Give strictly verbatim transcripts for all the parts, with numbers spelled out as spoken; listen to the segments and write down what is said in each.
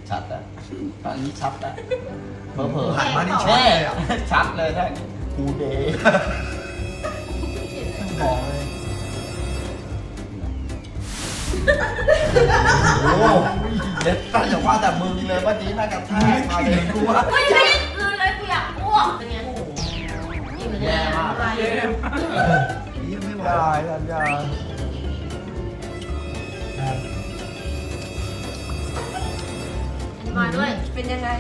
ชัดอะตอนนี้ชัดอะเผลอเผลอหันมานี่ชัดแน่เลยอ่ะชัดเลยท่านกูเดย์มองเลยโอ้ยเด็ดตั้งแต่ว่าแต่มึงเลยว่านี้น่ากระแทกมาเลยกูว่าไม่ได้คืนเลยกูอยากอ้วกเป็นไงอิ่มเลยแย่มากเยี่ยมไม่ไหวได้สัญญามาด้วยเป็นยังไง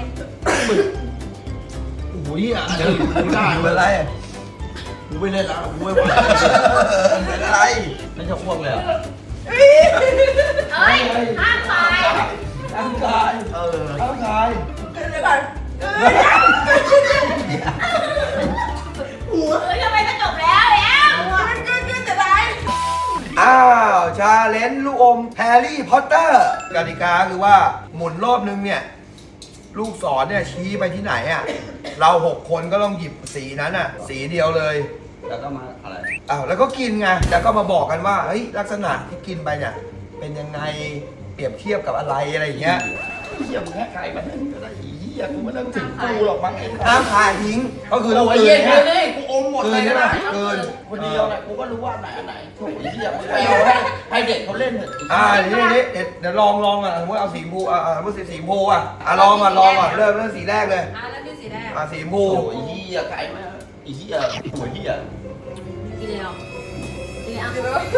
โอ้ยอ่ะเดี๋ยวกูได้เป็นอะไรกูไม่เล่นแล้วกูไม่ไหวเป็นอะไรไม่จะอ้วกเลยอ่ะเอ้ยห้ามไปร่างกายเออร่างกายเดี๋ยวก่อนเฮ้ยทำไมจะจบแล้วแล้วมันก็ก็จะได้อ้าวชาเลนจ์ลูกอมแฮร์รี่พอตเตอร์กติกาคือว่าหมุนรอบนึงเนี่ยลูกศรเนี่ยชี้ไปที่ไหนอ่ะเราหกคนก็ต้องหยิบสีนั้นอ่ะสีเดียวเลยแล้วก็มาอะไรอ้าวแล้วก็กินไงแล้วก็มาบอกกันว่าเฮ้ยลักษณะที่กินไปเนี่ยเป็นยังไงเปรียบเทียบกับอะไรอะไรอย่างเงี้ยเหี้ยมึงแค่ใครมาเล่นก็ได้อีเหี้ยกูไม่ต้องถึงกูหรอกมั้งไอ้ห้ามขายทิ้งก็คือโอ้ต้องยกลืเหี้ยนเกิเนี่ยนเลยกูอมหมดเลยเกินใช่ไหมนะเกินคนเดียวแหละกูก็รู้ว่าไหนอันไหนโอ้ยเหี้ยมึงไปเอาให้ให้เด็กเขาเล่นเถอะอ่าเดี๋ยวนี้เดี๋ยวเดี๋ยวลองลองอ่ะสมมติเอาสีชมพูอ่าอ่าสมมติสีสีชมพูอ่ะอ่ะลองอ่ะลองอ่ะเริ่มเริ่มสีแรกเลยอ่ะแล้วที่สีแดงอ่ะสีชมพูโอ้ยเหี้ยไก่มาไอ้เหี้ยโอ้ยเหี้ยกินเลยอ่ะกินเลยอ่ะคือแบบว่า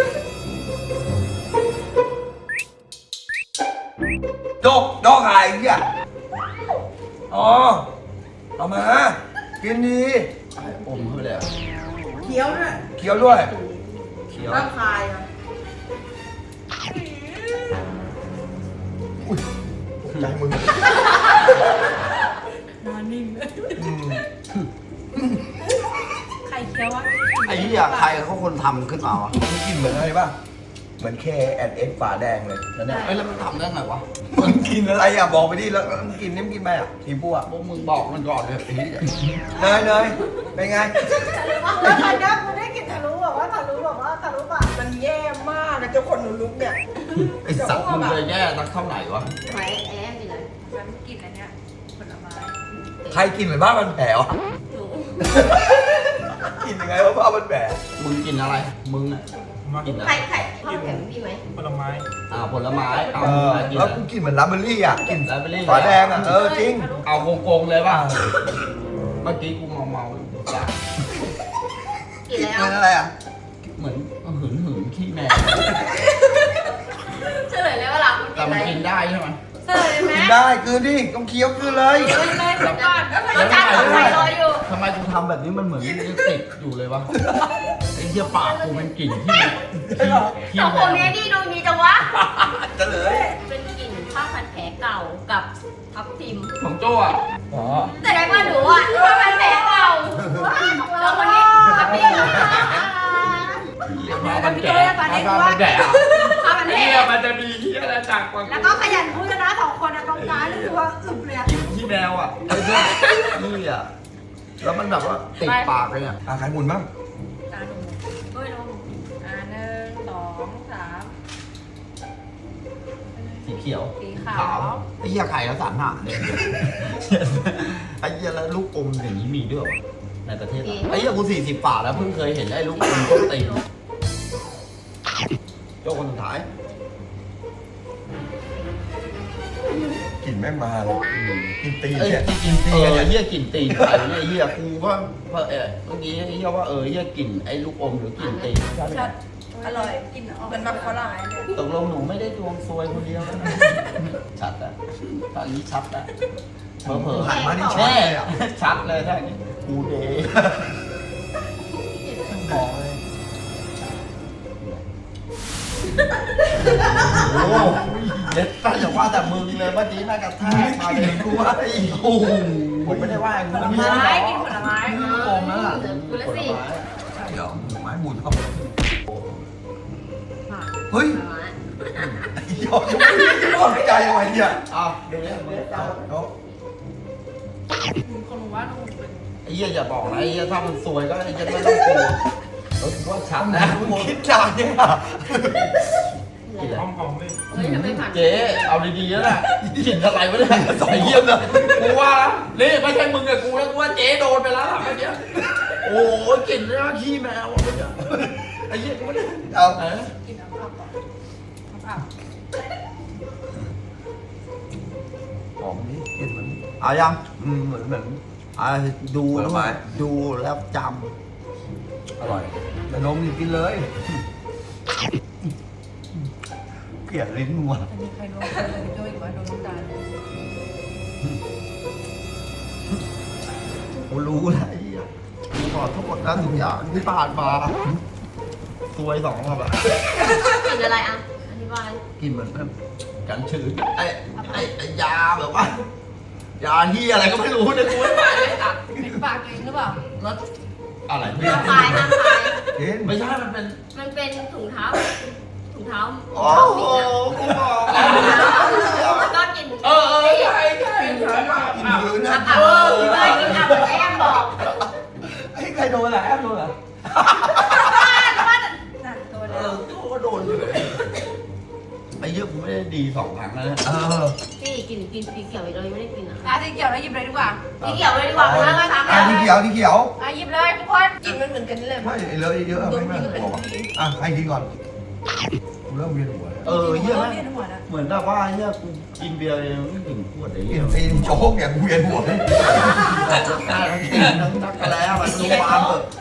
โดกโดกขายอีกอ่ะอ๋อเอามากินดีอมเข้าไปเลยอะเคี้ยวด้วยเคี้ยวด้วยเคี้ยวร่างกายอ่ะอุ้ยตกใจมึงนอนนิ่งเลยอืมใครเคี้ยววะไอ้เหี้ยใครเขาคนทำขึ้นมาวะมันกินเหมือนอะไรป่ะเหมือน K แอนด์ S ฝาแดงเลยแล้วเนี่ยเอ้ยแล้วมันทำได้ไงวะมันกินอะไรอ่ะบอกไปดิแล้วมันกินนี่มันกินไปอ่ะสีชมพูอ่ะพวกมึงบอกมันก่อนเลยไอ้เหี้ยเนยเนยเป็นไงแล้วตอนนี้กูได้กลินทะลุแบบว่าทะลุแบบว่าทะลุปากมันแย่มากนะเจ้าคนหนูลุกเนี่ยไอ้สัตว์มึงเลยแย่สักเท่าไหร่วะไว้แอบกินเลยฉันกินอันเนี้ยผลไม้ใครกินเหมือนบ้ามันแผลวะหนูกินยังไงวะบ้ามันแผลมึงกินอะไรมึงอ่ะกินอะใคไรรใครข้าวแข็งพี่ไหมผลไม้อ่าผลไม้เอาเออกินแล้วอะไรกูกินเหมือนลาเบอรี่อ่ะกินลาเบอรี่ฝาแดงอ่ะเออจริงเอาโกงๆเลยป่ะเมื่อกี้กูเมาเมาๆจ้ะกินแล้วเป็นอะไรอ่ะเหมือนหืนหืนๆขี้แมวเฉลยเลยว่าหลังมันแต่กินอะไรมันกินได้ใช่ไหมเฉลยไหมกินได้คืนดิต้องเคี้ยวคืนเลยเลยเลยเดี๋ยวก่อนแล้วอาจารย์ของใครรออยู่ทำไมกูทำแบบนี้มันเหมือนยังติดอยู่เลยวะไอ้เหี้ยปากกูมันกลิ่นที่ที่ที่สองแมคนวนี้ดีดูดีจังวะจะเลยเป็นกลิ่นผ้าพันแผลเก่ากับทับทิมของโจ้อะอ๋อแต่ได้ว่าหนูอ่ะผ้าพันแผลเก่าแล้วคนนี้ทับทิมมามันแก่มามันแก่อะผ้าพันแผลเหี้ยมันจะมีเหี้ยอะไรจากกว่าแล้วก็ขยันพูดกันนะสองคนนะตรงกลางนี่คือว่าอึบเลยอะกินที่แมวอะไอ้เหี้ยนี่อะแล้วมันแบบว่าติดปากเลยอะอ่ะใครหมุนบ้างอ่าหนูเฮ้ยลงอ่าหนึ่งสองสามสีเขียวสีขาวไอ้เหี้ยไข่แล้วสารหาเนี่ยไอ้เหี้ยแล้วลูกอมอย่างนี้มีด้วยเหรอในประเทศเราไอ้เหี้ยกูสี่สิบป่าแล้วเพิ่งเคยเห็นไอ้ลูกอมต้นตีนโจ้คนสุดท้ายกลิ่นแม่งมาเลยกินตีนเอ้ยเนี่ยกินตีนเออเหี้ยกลิ่นตีนไข่เนี่ยเหี้ยกูว่าเออเมื่อกี้เหี้ยว่าเออเหี้ยกลิ่นไอ้ลูกอมหรือกลิ่นตีนชัดอร่อยกินออกเป็นแบบฝรั่งเลยตกลงหนูไม่ได้ดวงซวยคนเดียวนะชัดอะตอนนี้ชัดอะเผลอๆหันมานี่ชัดแน่เลยอ่ะชัดเลยท่านกูเดย์มองเลยโอ้ยเด็ดตั้งแต่ว่าแต่มึงเลยว่านี้น่ากระแทกมาเลยกูว่าไอ้โอ้โหผมไม่ได้ว่ากูผลไม้กินผลไม้ลูกอมนั่นแหละกูละสิใช่เหรอหมูไม้หมุนเข้าไปเฮ้ยยอดยอดใจอะไรเนี่ยอ้าวเดี๋ยวนี้เอาเอาคนรู้ว่าหนูเป็นไอ้เหี้ยอย่าบอกนะไอ้เหี้ยถ้ามันซวยก็ไอ้เหี้ยไม่ต้องกลัวเออกูว่าชัดนะมึงคิดจานเนี่ยเหลือกินอะไรหอมๆเลยเฮ้ยทำไมผ่านเจ๊เอาดีๆแล้วน่ะกลิ่นอะไรวะเนี่ยไอ้เยี่ยมเลยกูว่าแล้วนี่ไม่ใช่มึงกับกูแล้วกูว่าเจ๊โดนไปแล้วล่ะเมื่อกี้โอ้ยกลิ่นเนี่ยขี้แมวอะเมื่อกี้ไอ้เหี้ยกูไม่ได้เอาเออกินน้ำผักก่อนน้ำผักหอมนี่กลินเหมือนเอายังอืมเหมือนเหมือนอ่าดูผลไม้ดูแล้วจอร่อยแต่นมนี่กินเลยเกลียดลิ้นมัวอันนี้ใครโดนใครโดนโจ้อีกวะโดนน้ำตาลำกูรู้แล้วไอ้เหี้ยกูขอโทษนะทุกอย่างที่ผ่านมาซวยสองรอบอะกินอะไรอ่ะอธิบายกินเหมือนแบบกันชื้นไอ้ไอ้ไอ้ยาแบบว่ายาที่อะไรก็ไม่รู้เนี่ยกูไม่ไปเลยอ่ะเป็นปากเองหรือเปล่าแล้วอะไรไม่ห้ามคายห้ามคายเห็นไม่ใช่มันเป็นมันเป็นถุงเท้าถุงเท้าโอ้โหกูบอกแล้วก็กินเออเออใช่ใช่ใช่อ่ะกินมือนะอับเออเลยกินอับเหมือนแอมบอกไอ้ใครโดนอ่ะแอมโดนเหรอนั่นตัวเอเดียวอกูก็โดนอยู่เลยไอ้เหี้ยกูไม่ได้ดีสองครั้งแล้วนะเออพี่กินกินสีเขียวอีกเลยไม่ได้กินอ่ะอ่ะสีเขียวแล้วหยิบเลยดีกว่าสีเขียวเลยดีกว่าแล้วก็ทำอ่ะที่เขียวที่เขียวอ่ะหยิบเลยทุกคนกินมันเหมือนกันเลยไม่เลยเยอะๆไม่ไม่บอกอ่ะให้กินก่อนกูเริ่มเวียนหัวแล้วเออเหี้ยเยนะเวียนหัวนะเหมือนแบบว่าเหี้ยกูกินเบียร์ยังไม่ถึงขวดไอ้กิเหี้ยนซีนโจ๊กเนี่ยกูเวียนหัวเลยทั้งนักแล้วมันรู้มาเถอะ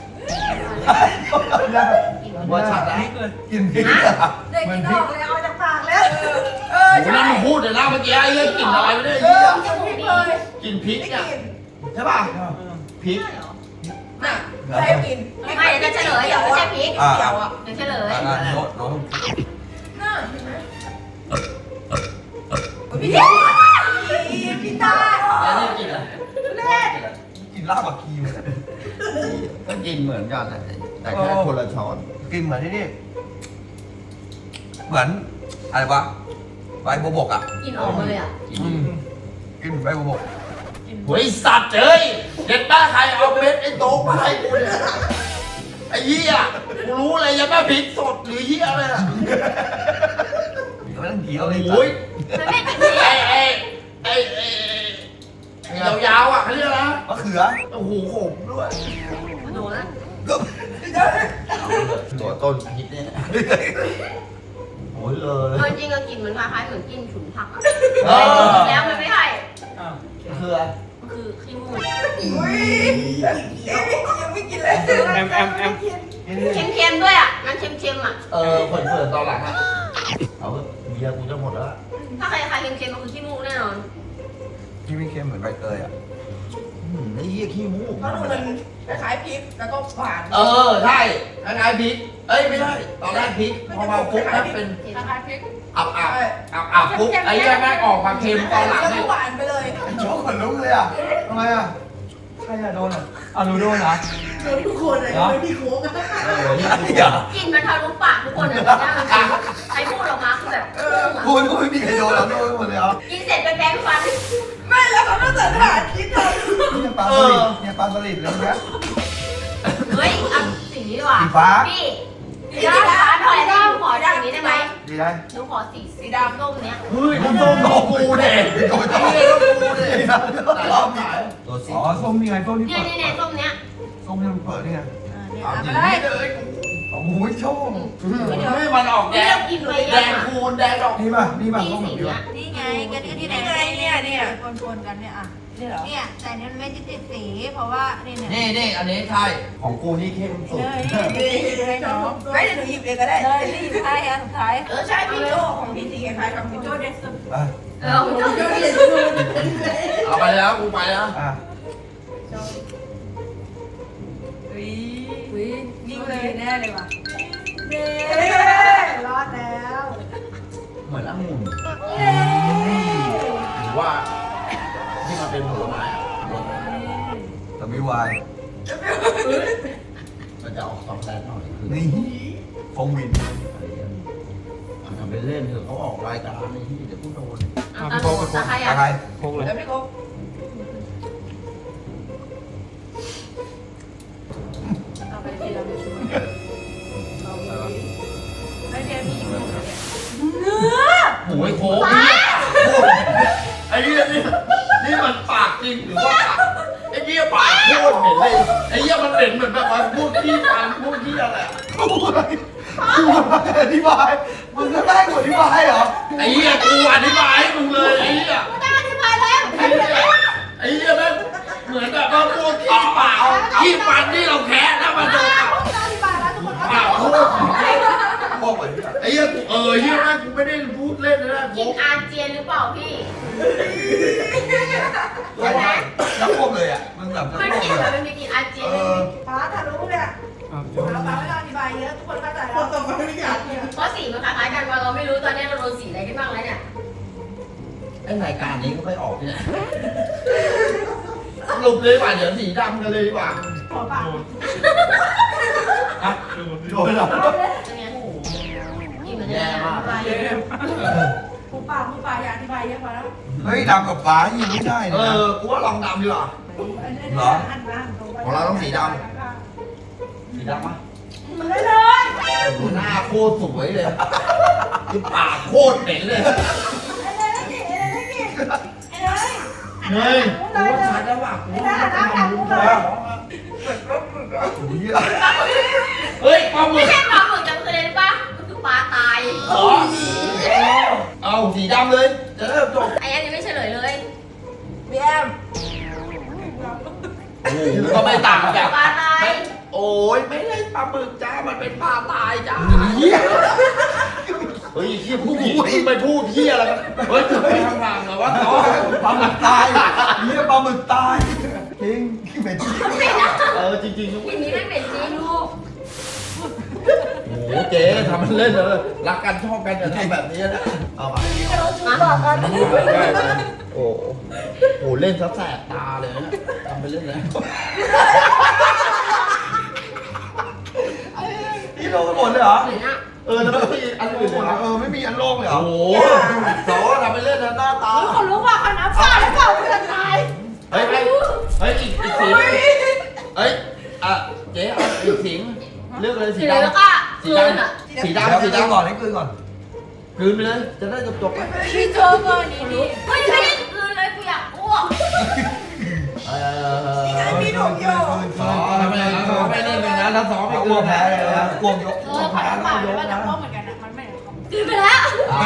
ว่าชัดแล้วกินพริกอ่ะเด็กเหมือกินนพอริอก กเลยเอาจากปากแล้วเออโอ้โหใช่นี่มึงพูดเลยนะเมื่อกี้ไอ้เรื่องกลิ่นอะไรไม่ได้เอเหี้อย กินพริกเลยกินพริกไม่อ่ะกินใช่ป่ะพริกน่ะใครกินไม่เดี๋ยวจะเฉลยเดี๋ยวไม่ใช่พริกอ่ะเขียวอ่ะเดี๋ยวเฉลยอ่ะโน้ตโน้ตน่าเห็นไหมพี่ตาพี่ตาแล้วนี่กินอะไรเล่นกินลาบกับคีมก็กินเหมือนกันนะแต่แค่คนละช้อนกินเหมือนที่นี่ เหมือนอะไรวะใบบัวบกอ่ะกินออกมาเลยอ่ะกินอืมกินเหมือนใบบัวบกเฮ้ยสัตว์เอ้ยเด็ดบ้าใครเอาเม็ดไอ้โต๊ะมาให้กูเนี่ยไอ้เหี้ยกูรู้เลยยังไม่พริกสดหรือเหี้ยอะไรอ่ะไม่ต้องเกี่ยวเลยโอ้ยมันไม่กินพริกไอ้ไอ้ไอ้ไอ้ไอ้ยาวๆอ่ะเขาเรียกอะไรนะมะเขือโอ้โหขมด้วยโดนแล้วตัวต้นพิษเนี่ยโอ้ยเลยเออจริงก็กินเหมือนคล้ายๆเหมือนกินฉุนผักอ่ะเออแล้วมันไม่ใช่คืออะไรมันคือขี้มูกอุ้ยยังไม่กินเลยแอมแอมแอมเค็มๆด้วยอ่ะมันเค็มๆอ่ะเออเปิดเปิดตอนหลังอ่ะเอาเถอะเบียร์กูจะหมดแล้วถ้าใครใครเค็มๆมันคือขี้มูกแน่นอนที่ไม่เค็มเหมือนใบเตยอ่ะอืมไอ้เหี้ยขี้มูกเพราะดูมันคล้ายๆพริกแล้วก็หวานเออใช่คล้ายๆพริกเอ้ยไม่ใช่ตอนแรกพริกพอมาฟุกแล้วเป็นคล้ายๆพริกอับอับอับอับฟุกไอ้เหี้ยแม่งออกมาเค็มตอนหลังแล้วเนี่ก็ยหวานไปเลยโจ๊กขนลุกเลยอ่ะทำไมอ่ะใครอ่ะโดนอ่ะอ่ะหนูโดนเหรอโดนทุกคนเลยไม่มีโค้งเออเนี่ยกูอย่ากินมันทะลุปากทุกคนเลยนะใครพูดออกมาคือแบบกูกูไม่มีใครโดนแล้วโดนหมดเลยเหรอกินเสร็จไปแปรงฟันไม่แล้วเขาต้องเสิร์ฟอาหารคิดเลยเนี่ยปลาสลิดเนี่ยปลาสลิดเลยนะเฮ้ยเอาสีนี้ดีกว่าสีฟ้าพี่สีฟ้าหน่อยได้หนูขอสีนี้ได้ไหมดีได้หนูขอสีสีดำส้มเนี้ยเฮ้ยน้ำส้มดอกกูเด็กโดนไอ้ต้องเหี้ยดอกกูเด็กรอบนี้ตัวสีอ๋อส้มนี่ไงส้มที่เนี่ยเปิดเนี่ยเนี่ยส้มเนี้ยส้มที่มันเปิดนี่ไงเอาเอาจไปริงเลยเลยโอ้โหโชคให้มันออกแดนี่งเรากินไปแดยังงอ่ะคูณแดงดอกนี่ป่ะนี่ป่ะนี่ส้มสีแบบนี้เนี้ยนี่ไงก็ที่ที่ไหนนี่ไงเนี่ยเนี่ยปนๆกันเนี่ยอ่ะนี่เหรอเนี่ยแต่เนี่ยมันไม่ได้ติดสีเพราะว่านี่เนี่ยนี่นี่อันนี้ใช่ของกูนี่เข้มสุดเลยนี่เลยเนาะไม่เดี๋ยวหนูหยิบเองก็ได้เลยนี่สุดท้ายอันสุดท้ายเออใช่พี่โจของพี่สีคล้ายๆกับพี่โจเด็ดสุดอ่ะเออคุณต้องโจเด็ดสุดเอาไปแล้วกูไปแล้วอ่ะอุ้ยอุ้ยนิ่งเลยแน่เลยว่ะเด้รอดแล้วเหมือนองุ่นหรือว่าที่มันเป็นผลไม้อะรสแต่ไม่วายมันจะออกซองแซดหน่อยคือนี่ฟงวินอะไรอย่างเงี้ยเอาทำเป็นเล่นเถอะเขาออกรายการในที่เดี๋ยวกูโดนเอาตาโตตาใครอะไรอ่ะโคกเลยแล้วพี่โก้เอาไปทีละไม่ช่วยไม่เดียวมียโค้งไอ้เหี้ยนี่นี่มันปากจริงหรือว่าปากไอ้เหี้ยปากโคตรเหม็นเลยไอ้เหี้ยมันเหม็นเหมือนแบบว่าพูดขี้ฟันพูดขี้อะไรกูอะไรกูอะไรอธิบายมึงก็ได้กูอธิบายเหรอไอ้เหี้ยกูอธิบายให้มึงเลยไอ้เหี้ยไม่ได้อธิบายแล้วไอ้เหี้ยไอ้เหี้ยแม่งเหมือนแบบว่าพูดขี้ปากขี้ฟันที่เราแคะแล้วมันโดนอธิบายแล้วทุกคนปากโคตรพวกแบบนี้ไอ้เหี้ยกูเออเหี้ยแม่งกูไม่ได้พูดเล่นนะกินอาเจียนหรือเปล่าพี่ใช่ใช่แล้วพวกเลยอ่ะมึงแบบมันพวกกินเลแต่ยมันไม่กินอาเจียนเออป้าทะลุเนี่ยเราป้าไม่ต้องอธิบายเยอะทุกคนเข้าใจแล้วคนต่อไปไม่อยากเนี่ยเพราะสีมันคล้ายๆกันว่าเราไม่รู้ตอนนี้เราโดนสีอะไรกันบ้างแล้วเนี่ยไอ้รายการนี้ก็ไม่ออกเนี่ยสรุปเลยดีกว่าเดี๋ยวสีดำกันเลยดีกว่าขอปากอ่ะโดนเหรอเป็นไงกินเหมือนแย่มากผู้ป่าผู้ป่าอยากอธิบายเยอะกว่าแล้วเฮ้ยดำกับฟ้ายิงไม่ได้เอนะอกูว่าลองดำดีกว่าเหรอของเราต้องสีด สีดำปะมันเลยเลยหน้าโคตรสวยเลยคือปากโคตรเหม็นเลยไอ้เลยไอ้เลยไอ้เลยเฮ้ยกูว่าชัดแล้วว่ะกูว่าชัดแล้วว่ะเหี้ยเฮ้ยปลาหมึไม่กใช่ปลาหมึกจำเคยได้ปะมันคือปลาตายเหรอเอาสีดำเลย จะเริ่มจบไอ้อันนี้ไม่เฉลยเลยเบียมโอ้โหก็ไม่ต่างจากปลาตายไม่โอ้ยไม่ได้ปลาหมึกจ้า มันเป็นปลาตายจ้าเหี้ยเฮ้ยเฮียผู้หญิงมึงไปพูดเฮียอะไรกันเฮ้ยจะไปทางทางเหรอวะอ๋อปลาหมึกตายเหี้ยปลาหมึกตายจริงขี้เหม็นจริงเออจริงๆทีนี้ไม่เป็นจริงลูกโอ้โหเจ๊ทำมันเล่นเลยรักกันชอบกันอย่าทำแบบนี้นะเอาไปมาโอ้โหโหเล่นซะแสบตาเลยนะทำไปเล่นเลยนี่โดนหมดเลยเหรอเหมือนอะเออแล้วไม่มีอันอื่นเลยเหรอเออไม่มีอันโล่งเลยเหรอโอ้โหสอทำไปเล่นนะหน้าตาคนรู้ว่าเขานับชาหรือเปล่าเพื่อนตายเฮ้ยเฮ้ยเฮ้ยอีกอีกสีเฮ้ยอ่ะเจ๊เอาอีกสีเลือกเลยสีสีดำแล้วก็สีคืนดำอะสีดำสีสีดำดำก่อนให้คืนก่อนคืนไปเลย จะได้จบจบๆไปพี่เจอก่อนนี่นี่ไม่ไม่ได้คืนเลยกูอยากอ้วกเออพี่ถูกโยกสอทำไมสอไม่เล่นเลยนะถ้าสอไม่เอาคือ้วน แพ้เลยนะกวงยกเออขอน้ำเปล่าแล้วจะพ่อเหมือนกันนะมันไม่เหมือนเขาคืนไปแล้ว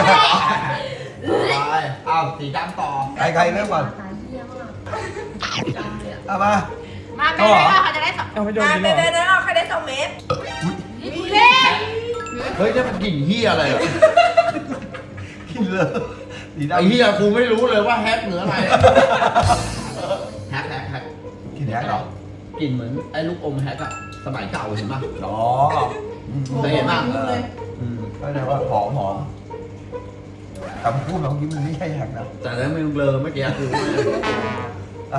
ไปอ้าวสีดำต่อใครใครเริ่มก่อนตายเยี่ยมมากเอามามาเบเบ้เขาจะได้สองมาเบเบ้ได้เอาใครได้สองเมตรเล่เฮ้ยนี่มันกลิ่นเฮียอะไรอ่ะกินเลยสีดำไอ้เฮียกูไม่รู้เลยว่าแฮกเหนืออะไรแฮกแฮกแฮกกินแฮกเหรอกลิ่นเหมือนไอ้ลูกอมแฮกอะสมัยเก่าเห็นป่ะอ๋อเคยเห็นป่ะเลยก็เลยว่าหอมหอมคำพูดของยิ้มมันไม่ใช่แฮกนะแต่แล้วมึงเบลอเมื่อกี้คืออ่ะ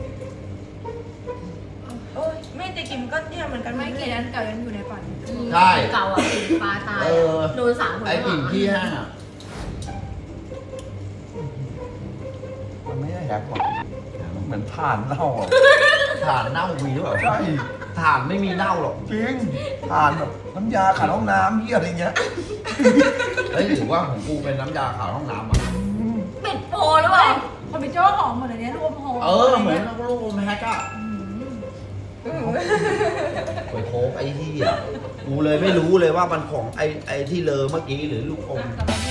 โอ้ยไม่แต่กิมก็เนี่ยเหมือนกันไม่กี่นั้นเก่ายังอยู่ในฝันใช่เก่าอ่ะสีปลาตายเออโดนสามคนไอ้กลิ่นขี้แห้งอะมันไม่ใช่แฮกหรอกเหมือนถ่านเน่าอ่ะถ่านเน่ามีหรือเปล่าใช่ถ่านไม่มีเน่าหรอกจริงถ่านแบบน้ำยาขัดห้องน้ำเหี้ยอะไรเงี้ยเฮ้ยหรือว่าของกูเป็นน้ำยาขาวห้องน้ำอ่ะปิดโปรหรือเปล่าคอมพิวเตอร์หอมเหมือนอันนี้ลูกอมหอมเออเหมือนลูกอมแฮกอะไปโค้กไอ้ที่อ่ะกูเลยไม่รู้เลยว่ามันของไอ้ไอ้ที่เลอเมื่อกี้หรือลูกอม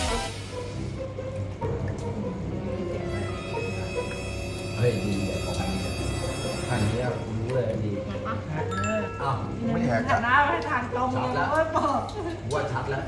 เฮ้ยดีเลยของอันนี้อันนี้กูรู้เลยดีอยากปะอ้าวไม่แฮกหัอะนหน้าไปทางตรงเลยโอ้ยบอกกูว่าชัดแล้ว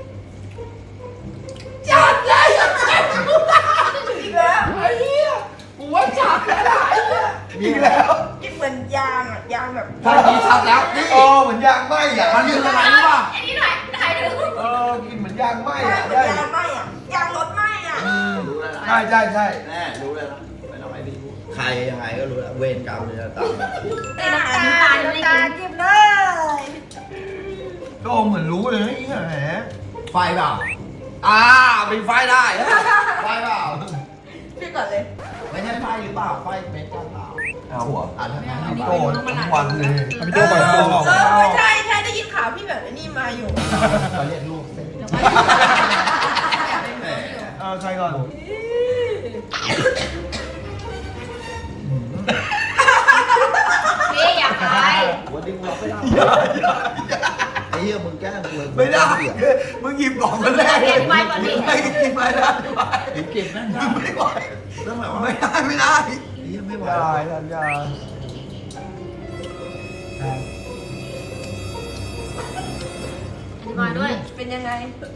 จัดเลยอีกแล้วไอ้เหี้ยกูว่าชัดแล้วไอ้เหี้ยอีกแล้วกินเหมือนยางอ่ะยางแบบถ้านี้ชัดแล้วนี่อ๋อเหมือนยางไหม้อ่ะมันคืออะไรรู้ป่ะอันนี้ถ่ายถ่ายดูเออกินเหมือนยางไหม้ยาอ่ะงเหมือได้นยางไหมอ่ะยางรถไหมอ่ะอืมรู้แล้วนะใช่ใช่ใช่แน่รู้เลยนะไม่ต้องให้พี่พูดใครยังไงก็รู้แล้วเวรกรรมเลยนะตามมาน้ำตาลน้ำตาลไม่ได้ตากินจิ้มเลยก็เหมือนรู้เลยนะอีกแหมไฟเปล่าอ่ามีไฟได้ไฟเปล่าพี่ก่อนเลยไม่ใช่ไฟหรือเปล่าไฟเม็ดกันเปล่าเอาหัวอ่านทำไมเอาโกรธทุกวันเลยเออเออใช่ใช่ได้ยินข่าวพี่แบบนี้มาอยู่เขาเรียกลูกเส้นแหมอใครก่อนพี่อยากไปวันนี้กูรับไม่ได้ไอ้เหี้ยมึงแกล้งกูเลยไม่ได้มึงหยิบของมันแรกเลยไม่กินไปได้มึงเก็บแม่งไม่ไหวต้องแบบว่าไม่ได้ไม่ได้ไอ้เหี้ยไม่ไหวได้สัญญาอธิบายด้วยเป็นยังไง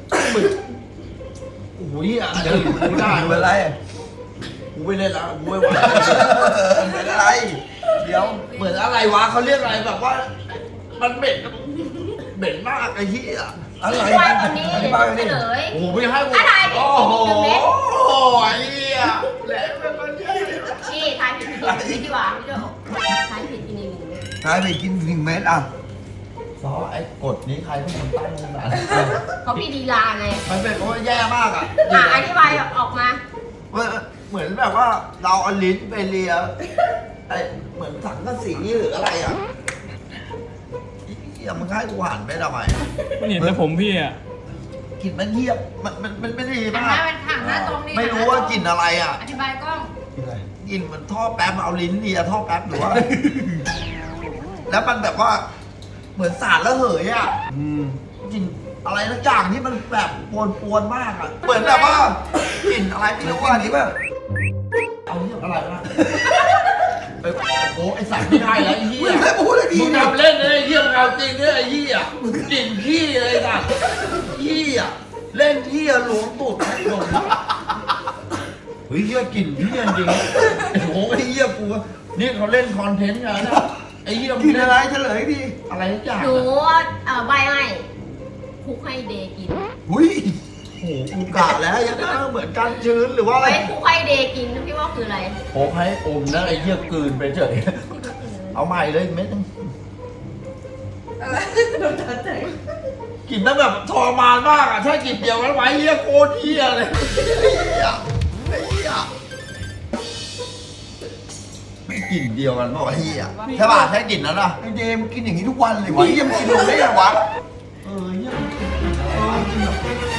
โอ้ยอ่ะเดี๋ยวกูได้ดูเว้ยอะไรกูไม่เล่นแล้วกูไม่ไหวเป็นอะไร เดี๋ยวเหมือนอะไรวะเขาเรียกอะไรแบบว่า มันเหม็นเหม็นมากไอ้เหี้ยอะไรอธิบายก่อนนี้อเดี๋ธิยวบายจะไปเฉดิลยโอ้โหไม่ให้กูอะไรผิดโอ้โหหนึ่งเม็ดไอ้เหี้ยแหลมเป็นคนเหี้ยพี่ทายผิดกินหนึ่งเม็ดดีกว่าพี่โจทายผิดกินหนึ่งเม็ดนายไปกินหนึ่งเม็ดอ่ะซอไอ้กฎนี้ใครเป็นคนตั้งขึ้นมาเขาพี่ดีลาไงมันเป็นเพราะว่าแย่มากอ่ะอ่ะอธิบายออกมาเหมือนแบบว่าเราเอาลิ้นไปเลียไอ้เหมือนสังกะสีหรืออะไรอ่ะอย่ามึงให้กูหันไปทำไมมันเห็นแต่ผมพี่อ่ะกลิ่นมันเยียบมันมันมันไม่ดีหันมาหน้าก เป็นถังหน้าตรงนี่ไม่รู้ว่ากลิ่นอะไรอ่ะอธิบายกล้องกลิ่นมันท่อแป๊บเอาลิ้นเลียท่อแป๊บหรือว่า แล้วมันแบบว่า เหมือนสารระเหยอ่ะอืมกลิ่นอะไรสักอย่างที่มันแบบปวนปวนๆมากอ่ะเหมือนแบบว่ากลิ่นอะไรไม่ไม่รู้รู้ว่าว่านี้ป่ะเอาเรื่องอะไรวะไอ้โอ้ไอ้สัตว์ไม่ได้แล้วไอ้เหี้ยมึงไม่พูดเลยดีมึงนะทำเล่นเลยไอ้เหี้ยมึงเอาจริงเลยไอ้เหี้ยกลิ่นขี้เลยสัตว์เหี้ยเล่นเหี้ยหลวงตุดไอ้หลงเฮ้ยเหี้ยกลิ่นเหี้ยจริงไอ้โหไอ้เหี้ยกูนี่เขาเล่นคอนเทนต์กันนะไอ้เหี้ยมึกิงนเล่อะไรเฉลยดิอะไรทุกอย่างหนูอะเอ่อใบให้คุกให้เดย์กินหุ้ยโอ้โหกูกะแล้วยังน่าเหมือนกันชื้นหรือว่าอะไรไว้คุกให้เดย์กินพี่ว่าคืออะไรโอ้ให้อมนะไอ้เหี้ยกลืนไปเฉยเอาใหม่เลยเม็ดนึงโดนตัดใจกลิ่นนั้นแบบทรมานมากอ่ะถ้ากลิ่นเดียวกันไว้เหี้ยโคตรเหี้ยเลยเหี้ยไอ้เหี้ยไม่กลิ่นเดียวกันป่าวะเหี้ยใช่ป่ะใช่กลิ่นนั้นอ่ะไอเดมกินอย่างนี้ทุกวันเลยวะเยี่ยมกินลงได้ยังวะเออเหี้ยเออจริงแบบ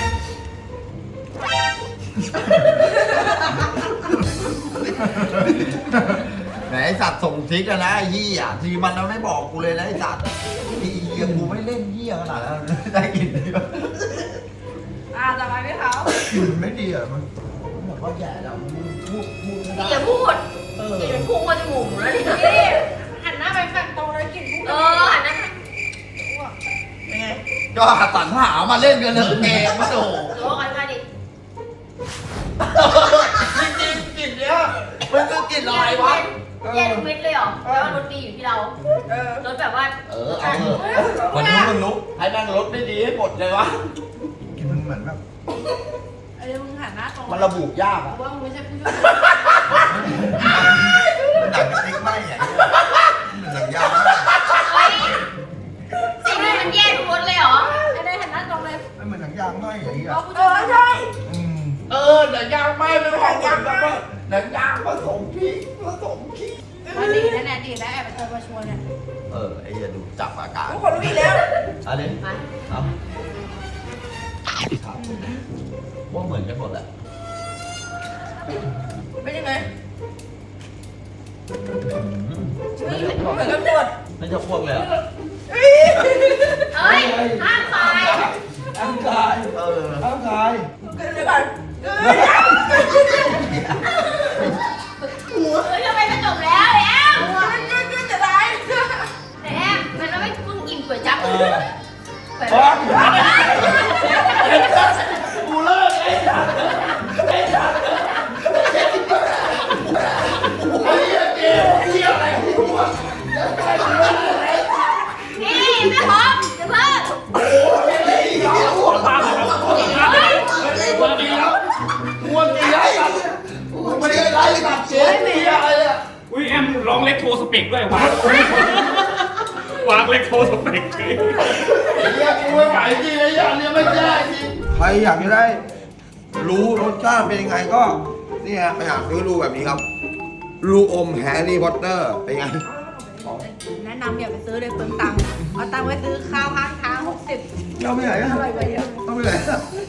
ไหนไอ้สัตว์ส่งทิกอะนะไอ้เหี้ยทีมันแล้วไม่บอกกูเลยนะไอ้สัตว์ไอ้เหี้ยกูไม่เล่นเหี้ยขนาดนั้นได้กลิ่นเดียวอ่าต่อไปพี่เขากลิ่นไม่ดีอ่ะมันบอกว่าแย่แล้วมึงพูดพูดไม่ได้พี่อย่าพูดเออกินมันพุ่งมาจมูกหนูแล้วเนี่ยพี่หันหน้าไปฝั่งตรงเลยกลิ่นพุ่งเออหันหน้าเป็นไงก็สรรหามาเล่นกันเถอะเองมาโถโอ้ยมาดิจริงๆกลิ่นเนี้ยมันคือกลิ่นอะไรวะแย่ทุกเม็ดเลยเหรอแล้วารสดีอยู่ที่เราเออรสแบบว่าเออเอาเถอะวันนี้มึงลุกให้แม่งรถได้ดีให้หมดเลยวะกลิ่นมันเหมือนแบบไอ้มึงหันหน้าตรงมันระบุยากอะว่ามึงไม่ใช่ผู้ช่วยมันดักติ๊กไหมอ่ะมันดักยาวมากเฮ้ยสิ่งนี้มันแย่ทุกรสเลยเหรอไอ้ได้หันหน้าตรงเลยมันเหมือนดักยางไหมอย่างเงี้ยว่าผู้ช่วยใช่อืมเออหนังยางไม่ไม่ของยางไม่หนังยางผสมพริกผสมขี้มาดีนะเนี่ยดีนะแอบไปเจอมาชวนเนี่ยเออไอ้อย่าดูจับอาการทุกคนรู้อีกแล้วอะไรมาครับครับว่าเหมือนกันหมดแหละเป็นยังไงไม่จะเหมือนกันหมดไม่จะพวกเลยอะเฮ้ยห้ามตายร่างกายเออร่างกายเกินไปก่อนเฮ้ยทำไมมันจบแล้วแล้วจะได้แต่แอมมันไม่เพิ่งกินก๋วยจั๊บเออก๋วยอ๋อจั๊บกูเลิกไอ้สัสไอ้สัสไอ้เหี้ยเกมเหี้ยอะไรของกูวะนี่ไม่พร้อมเดี๋ยวเพิ่งโอ้ยไอ้เหี้ยหัวตาหัวตาหัวกินแล้วหัวกินแล้วกูไม่ได้ไล่สัตว์เจ๊เหี้ยอะไรอะอุ้ยแอมร้องเล็กโทรสเปกด้วยวางวางเล็กโทรสเปกเลยไอ้เหี้ยกูไม่ไหวจริงไอ้เหี้ยเนี่ยไม่แย่จริงใครอยากจะได้ รู้รสชาติเป็นยังไงก็นี่ฮะไปหาซื้อดูแบบนี้ครับ ลูกอมแฮร์รี่พอตเตอร์เป็นไงแนะนำอย่าไปซื้อเลยเปลืองตังค์เอาตังค์ไว้ซื้อข้าวข้างทางหกสิบเราไปไหนอะอร่อยกว่าเยอะต้องไปไหนอะ